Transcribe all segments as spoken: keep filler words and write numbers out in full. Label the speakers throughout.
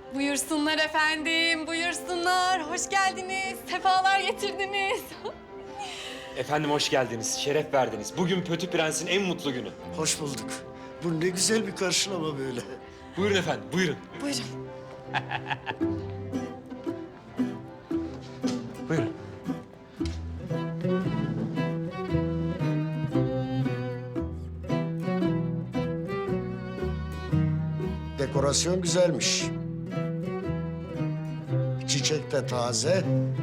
Speaker 1: Buyursunlar efendim, buyursunlar. Hoş geldiniz, sefalar getirdiniz.
Speaker 2: Efendim hoş geldiniz, şeref verdiniz. Bugün Pötü Prens'in en mutlu günü.
Speaker 3: Hoş bulduk. Bu ne güzel bir karşılama böyle.
Speaker 2: Buyurun efendim, buyurun.
Speaker 1: Buyurun.
Speaker 2: Buyurun.
Speaker 3: Dekorasyon güzelmiş. Çiçek de taze.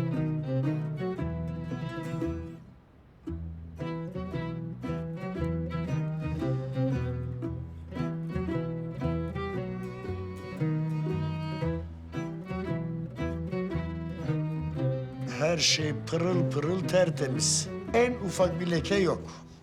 Speaker 3: Her şey pırıl pırıl tertemiz. En ufak bir leke yok.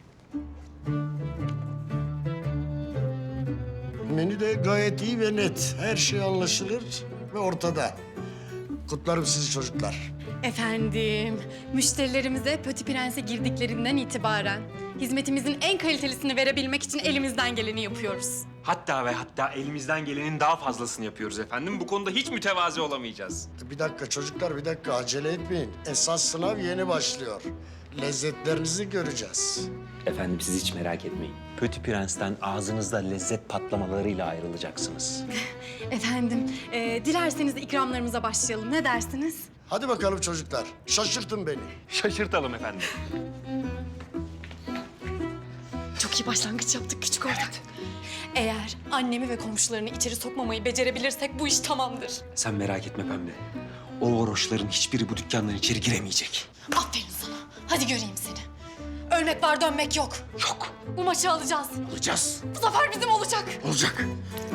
Speaker 3: Menü de gayet iyi ve net. Her şey anlaşılır ve ortada. Kutlarım sizi çocuklar.
Speaker 1: Efendim, müşterilerimize Pötü Prens'e girdiklerinden itibaren hizmetimizin en kalitelisini verebilmek için elimizden geleni yapıyoruz.
Speaker 2: Hatta ve hatta elimizden gelenin daha fazlasını yapıyoruz efendim. Bu konuda hiç mütevazi olamayacağız.
Speaker 3: Bir dakika çocuklar, bir dakika. Acele etmeyin. Esas sınav yeni başlıyor. Lezzetlerinizi göreceğiz.
Speaker 2: Efendim siz hiç merak etmeyin. Pötü Prens'ten ağzınızda lezzet patlamalarıyla ayrılacaksınız.
Speaker 1: Efendim, e, dilerseniz ikramlarımıza başlayalım. Ne dersiniz?
Speaker 3: Hadi bakalım çocuklar. Şaşırtın beni.
Speaker 2: Şaşırtalım efendim.
Speaker 1: Çok iyi başlangıç yaptık küçük ortak. Eğer annemi ve komşularını içeri sokmamayı becerebilirsek bu iş tamamdır.
Speaker 2: Sen merak etme Pembe. O varoşların hiçbiri bu dükkandan içeri giremeyecek.
Speaker 1: Aferin sana. Hadi göreyim seni. Ölmek var, dönmek yok.
Speaker 2: Yok.
Speaker 1: Bu maçı alacağız.
Speaker 2: Alacağız.
Speaker 1: Bu zafer bizim olacak.
Speaker 2: Olacak.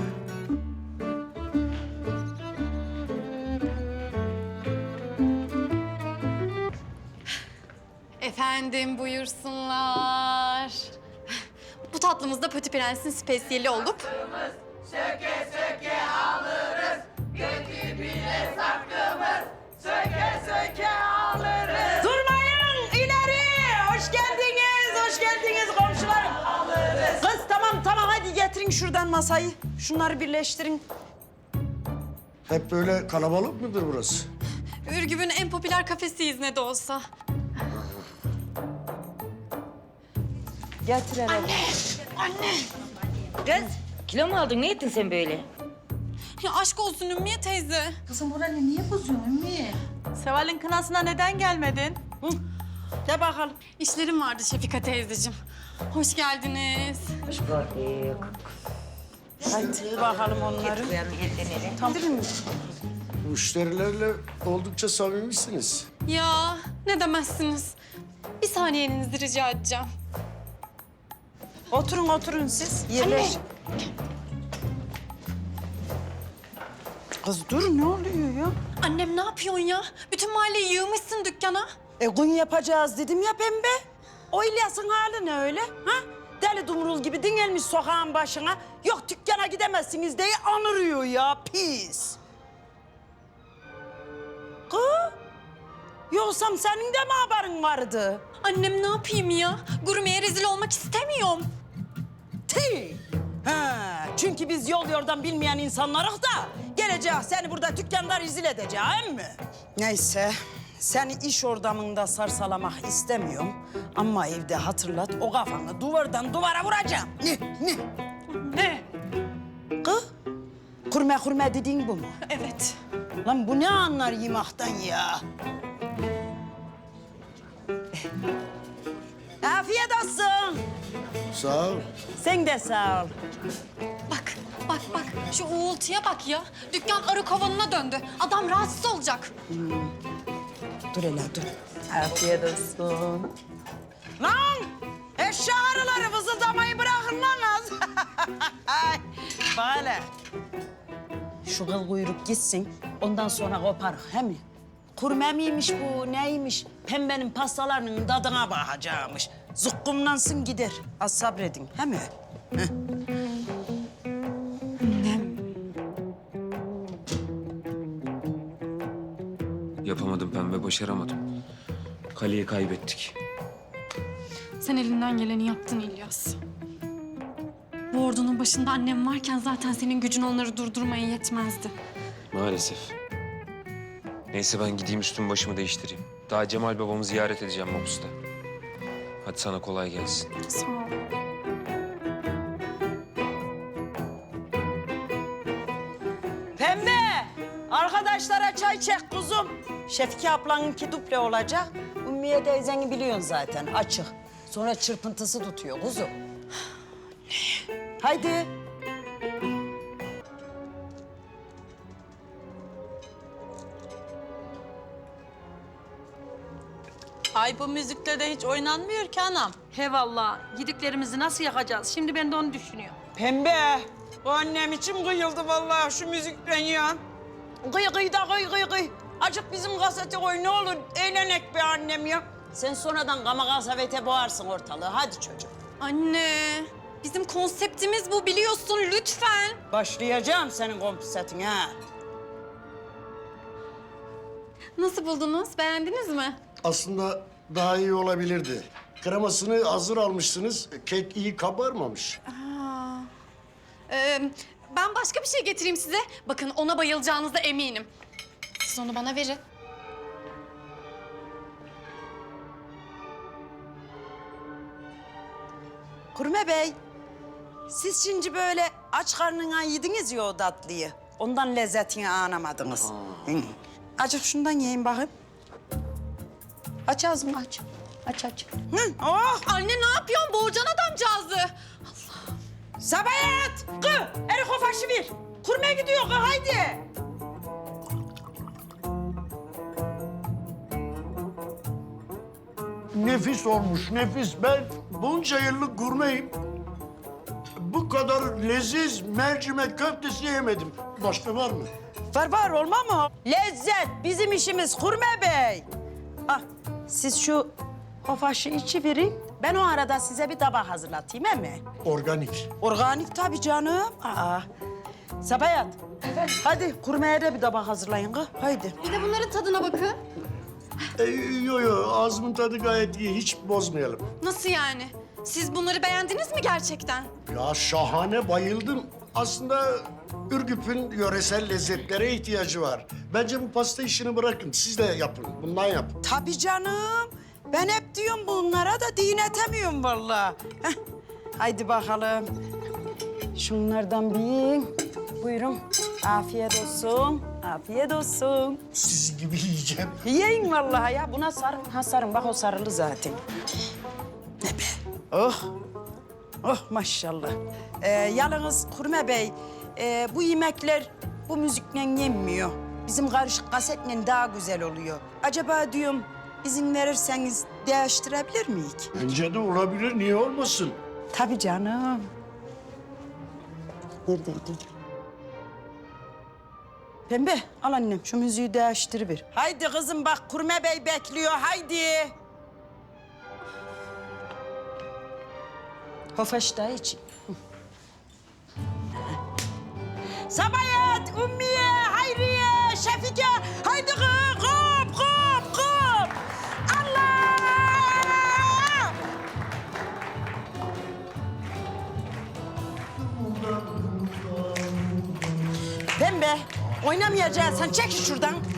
Speaker 1: Efendim buyursunlar. Bu tatlımız da Pötü Prens'in spesiyeli olup...
Speaker 4: Söke söke alırız, götü bile sakkımız. Söke söke alırız. Durmayın, ileri! Hoş geldiniz, hoş geldiniz komşularım. Alırız. Kız tamam tamam hadi getirin şuradan masayı. Şunları birleştirin.
Speaker 3: Hep böyle kalabalık mıdır burası?
Speaker 1: Ürgüp'ün en popüler kafesiyiz ne de olsa.
Speaker 4: Getir hele.
Speaker 1: Anne, anne.
Speaker 5: Kız, kilo mu aldın? Ne ettin sen böyle?
Speaker 1: Ya aşk olsun Ümmiye teyze.
Speaker 6: Kızım moralini niye bozuyorsun Ümmü?
Speaker 4: Seval'in kınasına neden gelmedin? Hı? De bakalım.
Speaker 1: İşlerim vardı Şefika teyzeciğim. Hoş geldiniz.
Speaker 5: Hoş bulduk.
Speaker 4: Hadi bakalım onları.
Speaker 5: Koyalım ellerini.
Speaker 4: Tamam.
Speaker 3: Müşterilerle oldukça samimisiniz.
Speaker 1: Ya ne demezsiniz. Bir saniyenizi rica edeceğim.
Speaker 4: Oturun oturun siz. Yerleş. Kız dur ne oluyor ya?
Speaker 1: Annem ne yapıyorsun ya? Bütün mahalleyi yığmışsın dükkana.
Speaker 4: E gün yapacağız dedim ya pembe. O İlyas'ın hali ne öyle? Ha? Deli dumrul gibi dingelmiş sokağın başına. Yok dükkana gidemezsiniz diye anırıyor ya pis. Kız. Yoksam senin de mi haberin vardı?
Speaker 1: Annem ne yapayım ya? Gurmeye rezil olmak istemiyorum.
Speaker 4: Ti. Ha, çünkü biz yol yordan bilmeyen insanlarız da geleceğiz seni burada dükkanda rezil edeceğim mi? Neyse, seni iş ortamında sarsalamak istemiyorum ama evde hatırlat o kafanı duvardan duvara vuracağım. Ne, ne?
Speaker 1: Ne?
Speaker 4: Kız, kurme kurme dediğin bu mu?
Speaker 1: Evet.
Speaker 4: Lan bu ne anlar yemaktan ya? Afiyet olsun.
Speaker 3: Sağ ol.
Speaker 4: Sen de sağ ol.
Speaker 1: Bak, bak, bak. Şu uğultuya bak ya. Dükkan arı kovanına döndü. Adam rahatsız olacak.
Speaker 4: Dur hele dur. Afiyet olsun. Lan! Eşya arıları vızıldamayı bırakın lan az. Böyle. Şu kıl kuyruk gitsin. Ondan sonra koparık he mi? Kurme miymiş bu, neymiş? Pembenin pastalarının tadına bakacakmış. Zukkumlansın gider. Az sabredin he mi? Heh.
Speaker 2: Yapamadım Pembe, başaramadım. Kaleyi kaybettik.
Speaker 1: Sen elinden geleni yaptın İlyas. Bu ordunun başında annem varken zaten senin gücün onları durdurmaya yetmezdi.
Speaker 7: Maalesef. Neyse ben gideyim üstümü başımı değiştireyim. Daha Cemal babamı ziyaret edeceğim Mopus'ta. Hadi sana kolay gelsin.
Speaker 1: Sağ ol.
Speaker 4: Pembe, arkadaşlara çay çek kuzum. Şefiki ablanınki duple olacak. Ümmiye teyzeni biliyorsun zaten, açık. Sonra çırpıntısı tutuyor kuzum. Haydi.
Speaker 8: Ay bu müzikle de hiç oynanmıyor ki anam.
Speaker 6: He vallahi gidiklerimizi nasıl yakacağız? Şimdi ben de onu düşünüyorum.
Speaker 4: Pembe, bu annem için kıyıldı vallahi şu müzikten ya. Kıy kıy da kıy kıy kıy. Acık bizim kasete koy ne olur, eğlenek be annem ya. Sen sonradan gama kasavete boğarsın ortalığı, hadi çocuğum.
Speaker 1: Anne, bizim konseptimiz bu biliyorsun lütfen.
Speaker 4: Başlayacağım senin konseptin ha.
Speaker 1: Nasıl buldunuz? Beğendiniz mi?
Speaker 3: Aslında daha iyi olabilirdi. Kremasını hazır almışsınız. Kek iyi kabarmamış.
Speaker 1: Aa, ee, ben başka bir şey getireyim size. Bakın ona bayılacağınıza eminim. Siz onu bana verin.
Speaker 4: Kurme Bey, siz şimdi böyle aç karnına yediniz ya o tatlıyı. Ondan lezzetini anlamadınız. Hı. Acık şundan yiyin bakayım. Aç ağzını aç. Aç aç. Hı, oh!
Speaker 1: Anne ne yapıyorsun? Boğacaksın adamcağızı.
Speaker 4: Sabayet! Kı! Erik o faşı ver. Kurme gidiyor kı haydi.
Speaker 3: Nefis olmuş, nefis. Ben bunca yıllık gurmeyim. Bu kadar leziz mercimek köftesi yemedim. Başka var mı?
Speaker 4: Var var olma mı? Lezzet bizim işimiz Kurme Bey. Ah, siz şu hofaşı içi verin. Ben o arada size bir tabak hazırlatayım he mi?
Speaker 3: Organik.
Speaker 4: Organik tabii canım. Aa. Sabayat. Hadi kurmaya da bir tabak hazırlayın kız. Haydi.
Speaker 1: Bir de bunların tadına bakın.
Speaker 3: E, yo yo, ağzımın tadı gayet iyi. Hiç bozmayalım.
Speaker 1: Nasıl yani? Siz bunları beğendiniz mi gerçekten?
Speaker 3: Ya şahane, bayıldım. Aslında Ürgüp'ün yöresel lezzetlere ihtiyacı var. Bence bu pasta işini bırakın. Siz de yapın. Bundan yapın.
Speaker 4: Tabii canım. Ben hep diyorum bunlara da dinletemiyorum vallahi. Heh. Haydi bakalım. Şunlardan bir yiyin. Buyurun. Afiyet olsun. Afiyet olsun.
Speaker 3: Sizin gibi yiyeceğim.
Speaker 4: Yiyin vallahi ya. Buna sarın. Ha sarın. Bak o sarılı zaten. Ne be? Oh. Oh maşallah. Ee, yalnız Kurme Bey, e, bu yemekler bu müzikle yenmiyor. Bizim karışık kasetle daha güzel oluyor. Acaba diyorum izin verirseniz değiştirebilir miyiz?
Speaker 3: Bence de olabilir. Niye olmasın?
Speaker 4: Tabii canım. Neredeydi? Pembe, al annem şu müziği değiştir. Haydi kızım bak Kurme Bey bekliyor, haydi. Hofaş da için. Sabayet, Ümmiye, Hayriye, Şefike, haydi kız, kop, kop, kop. Allah! Pembe, oynamayacaksın. Çekil şuradan.